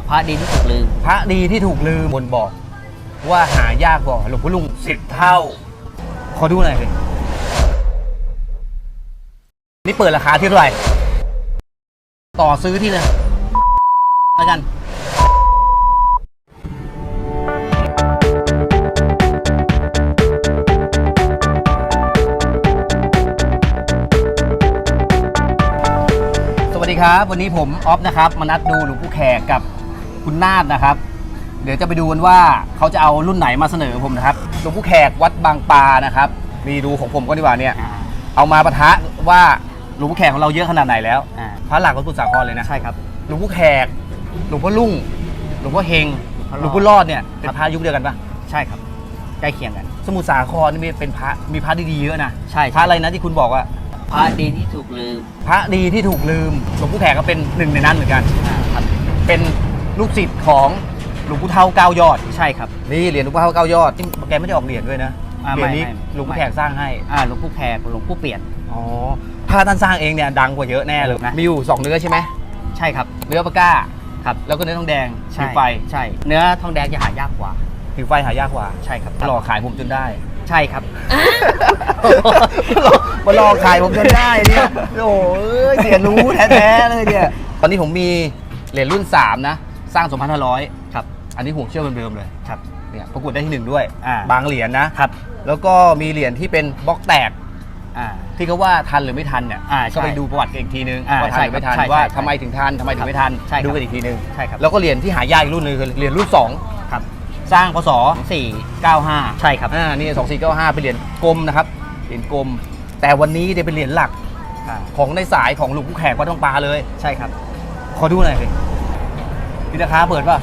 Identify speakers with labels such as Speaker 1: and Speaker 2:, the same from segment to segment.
Speaker 1: พระดีที่ถูกลืม
Speaker 2: พระดีที่ถูกลืมบนบอกว่าหายากกว่าหลวงพ่อลุง10 เท่าขอดูหน่อยสินี่เปิดราคาที่เท่าไหร่ต่อซื้อที่เลยแล้วกันสวัสดีครับวันนี้ผมออฟนะครับมานัดดูหลวงปู่แขกกับคุณนาฏนะครับเดี๋ยวจะไปดูกันว่าเขาจะเอารุ่นไหนมาเสนอผมนะครับหลวงปู่แขกวัดบางปลานะครับมีดูของผมก็ดีกว่าเนี่ยเอามาปะทะว่าหลวงปู่แขกของเราเยอะขนาดไหนแล้วพระหลักของสมุทรสาครเลยนะใช่ครับหลวงปู่แขกหลวงพ่อลุ่งหลวงพ่อเฮงหลวงพ่อรอดเนี่ยเป็นพระยุคเดียวกันปะใช่ครับใกล้เคียงกันสมุทรสาครนี่เป็นพระมีพระดีๆเยอะนะใช่พระอะไรนะที่คุณบอกว่า
Speaker 1: พระดีที่ถูกลืม
Speaker 2: พระดีที่ถูกลืมหลวงปู่แขกก็เป็นหนึ่งในนั้นเหมือนกันครับเป็นลูกศิษย์ของหลวงปู่เฒ่า9 ยอดใช่ครับนี่เหรียญหลวงปู่เฒ่า9 ยอดที่แกไม่ได้ออกเหรียญด้วยนะเหรียญนี้หลวงปู่แขกสร้างให้หลวงปู่แขกหลวงปู่เปลี่ยนอ๋อถ้าท่านสร้างเองเนี่ยดังกว่าเยอะแน่เลยนะมีอยู่2เนื้อใช่ไหมใช่ครับเนื้อปากก้าครับแล้วก็เนื้อทองแดงผิวไฟใช่เนื้อทองแดงจะหายากกว่าผิวไฟหายากกว่าใช่ครับหลอกขายผมจนได้ใช่ครับมาลองขายผมจนได้เนี่ยโอ้ยเสียรู้แท้ๆเลยเนี่ยตอนนี้ผมมีเหรียญรุ่น3นะสร้าง 2,500 ครับอันนี้ห่วงเชือกเดิมๆเลยครับเนี่ยประกวดได้ที่1ด้วยบางเหรียญนะครับแล้วก็มีเหรียญที่เป็นบล็อกแตกที่เขาว่าทันหรือไม่ทันเนี่ยก็ไปดูประวัติกันอีกทีนึงว่าทันหรือไม่ทันว่าทำไมถึงทันทำไมถึงไม่ทันดูกันอีกทีนึงใช่ครับแล้วก็เหรียญที่หายากอีกรุ่นนึงคือเหรียญรุ่น2ครับสร้างพศ2495ใช่ครับนี่2495เป็นเหรียญกลมนะครับเหรียญกลมแต่วันนี้ได้เป็นเหรียญหลักของในสายของหลวงปู่แขกวัดบางปลาเลยใช่ครับขอดูหน่อยสิมีราคาเปิดป่ะ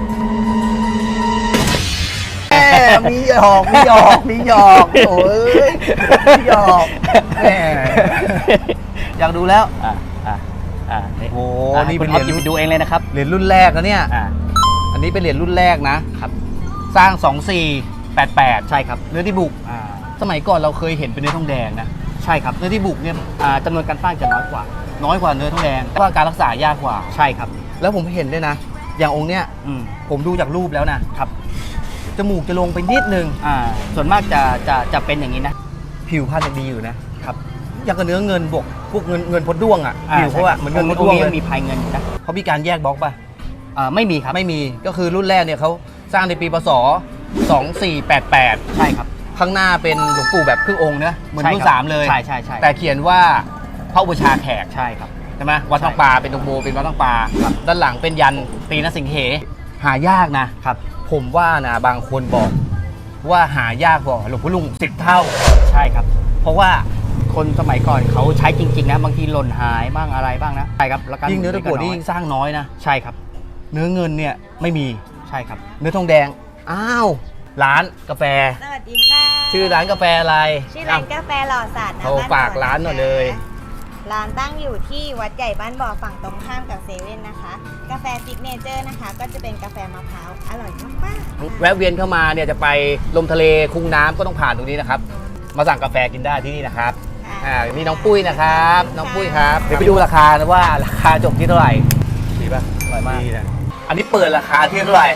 Speaker 2: มีหยอกโอ้ยมีหยอกแหมอยากดูแล้วโอ้นี่เป็นเหรียญดูเองเลยนะครับเหรียญรุ่นแรกนะเนี่ยอันนี้เป็นเหรียญรุ่นแรกนะครับสร้าง2488ใช่ครับเนื้อที่บุกสมัยก่อนเราเคยเห็นเป็นเนื้อทองแดงนะใช่ครับเนื้อที่บุกเนี่ยจำนวนการสร้างจะน้อยกว่าเนื้อทองแดงเพราะว่าการรักษายากกว่าใช่ครับแล้วผมเห็นด้วยนะอย่างองค์เนี้ยผมดูจากรูปแล้วนะครับจมูกจะลงไปนิดนึงส่วนมากจะเป็นอย่างนี้นะผิวพรรณจะดีอยู่นะครับอย่างกับเนื้อเงินบวกพวกเงินพดด้วงผิวเขาอะเหมือนเงินพดด้วงเลยมีภายเงินนะเขามีการแยกบล็อกป่ะไม่มีครับไม่มีก็คือรุ่นแรกเนี่ยเขาสร้างในปีพศ2488ใช่ครับข้างหน้าเป็นหลวงปู่แบบครึ่งองค์นะเหมือนรุ่น3เลยใช่แต่เขียนว่าพระอุปชาแขกใช่ครับใช่ไหมวัดบางปลาเป็นตรงโบเป็นวัดบางปลาด้านหลังเป็นยันตีนสิงเหหายากนะครับผมว่านะบางคนบอกว่าหายากกว่าหลวงพ่อลุง10 เท่าใช่ครับเพราะว่าคนสมัยก่อนเขาใช้จริงๆนะบางทีหล่นหายบ้างอะไรบ้างนะใช่ครับแล้วยิ่งเนื้อตะกั่วนี่ยิ่งสร้างน้อยนะใช่ครับเนื้อเงินเนี่ยไม่มีใช่ครับเนื้อทองแดงอ้าวร้านกาแฟ
Speaker 3: สวัสดีค่ะ
Speaker 2: ชื่อร้านกาแฟอะไร
Speaker 3: ชื่อร้านกาแฟหล่อสัตว์นะ
Speaker 2: เขาฝากร้านหน่อยเลย
Speaker 3: ร้านตั้งอยู่ที่วัดใหญ่บ้านบ่อฝั่งตรงข้ามกับเซเว่นนะคะกาแฟซิกเนเจอร์นะคะก็จะเป็นกาแฟมะพร้าวอร่อยมาก
Speaker 2: ๆแวะเวียนเข้ามาเนี่ยจะไปลมทะเลคุ้งน้ำก็ต้องผ่านตรงนี้นะครับมาสั่งกาแฟกินได้ที่นี่นะครับนี่น้องปุ้ยนะครับน้องปุ้ยครับเดี๋ยวไปดูราคานะว่าราคาจบที่เท่าไหร่ดีป่ะอร่อยมากอันนี้เปิดราคาที่เท่าไหร่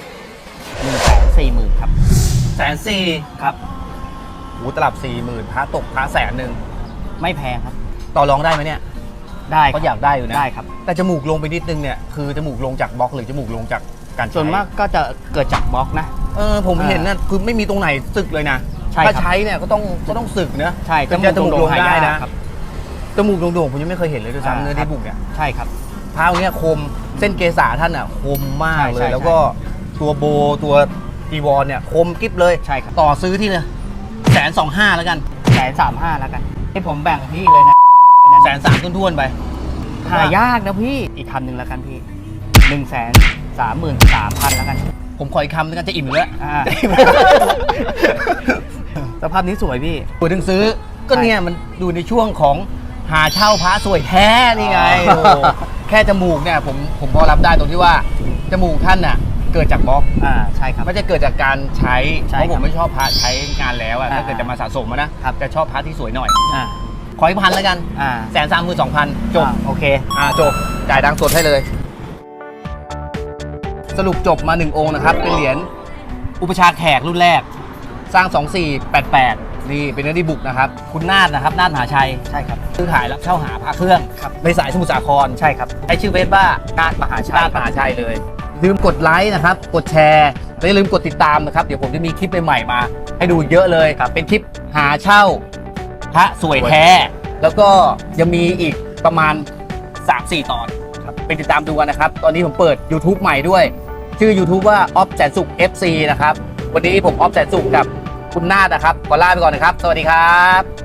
Speaker 2: 140,000ครับ140,000ครับหูตลับ40,000พระตกพระ100,000ไม่แพงครับต่อรองได้ไหมเนี่ยได้ก็อยากได้อยู่นะได้ครับแต่จมูกลงไปนิดนึงเนี่ยคือจมูกลงจากบล็อกหรือจมูกลงจากการส่วนมากก็จะเกิดจากบล็อกนะผมเห็นนะคือไม่มีตรงไหนสึกเลยนะถ้าใช้เนี่ยก็ต้องสึกนะใช่จมูกลงได้นะจมูกโด่งๆผมยังไม่เคยเห็นเลยด้วยซ้ำเนื้อที่บุกเนี่ยใช่ครับพระองค์เนี้ยคมเส้นเกษาท่านอ่ะคมมากเลยแล้วก็ตัวโบตัวจีวรเนี่ยคมกิ๊บเลยใช่ครับต่อซื้อที่เลย125,000แล้วกัน135,000แล้วกันให้ผมแบ่งพี่เลยนะ130,000ท้วนๆไปหายากนะพี่อีกคำหนึ่งแล้วกันพี่133,000แล้วกันผมขออีกคำนึงกันจะอิ่มอยู่แล้วสภาพนี้สวยพี่ตัวถึงซื้อก็เนี่ยมันอยู่ในช่วงของหาเช่าพระสวยแท้นี่ไงแค่จมูกเนี่ยผมพอรับได้ตรงที่ว่าจมูกท่านน่ะเกิดจากบล็อกใช่ครับไม่จะเกิดจากการใช้เพราะผมไม่ชอบพระใช้งานแล้วถ้าเกิดจะมาสะสมนะจะชอบพระที่สวยหน่อยขออีก1,000แล้วกัน132,000จบโอเคจบจ่ายดังสดให้เลยสรุปจบมา1องค์นะครับเป็นเหรียญอุปชาแขกรุ่นแรกสร้าง 2488นี่เป็นเนื้อดีบุกนะครับคุณนาฏนะครับนาฏมหาชัย
Speaker 4: ใช่ครับ
Speaker 2: ซื้อขายรับเช่าหาพระเครื่อง
Speaker 4: ครับ
Speaker 2: ในสายสมุทรสาคร
Speaker 4: ใช่ครับ
Speaker 2: ใช้ชื่อเฟซว่า
Speaker 4: นาฏมหาชัย
Speaker 2: นาฏมหาชัยเลยลืมกดไลค์นะครับกดแชร์และอย่าลืมกดติดตามนะครับเดี๋ยวผมจะมีคลิปใหม่ๆมา ให้ดูเยอะเลยครับเป็นคลิปหาเช่าพระสวยแท้ แล้วก็ยังมีอีกประมาณ 3-4 ตอนไปติดตามดูกันนะครับ ตอนนี้ผมเปิด YouTube ใหม่ด้วย ชื่อ YouTube ว่าออฟแสนสุข FC นะครับ วันนี้ผมออฟแสนสุขกับคุณนาฏนะครับขอลาไปก่อนนะครับ สวัสดีครับ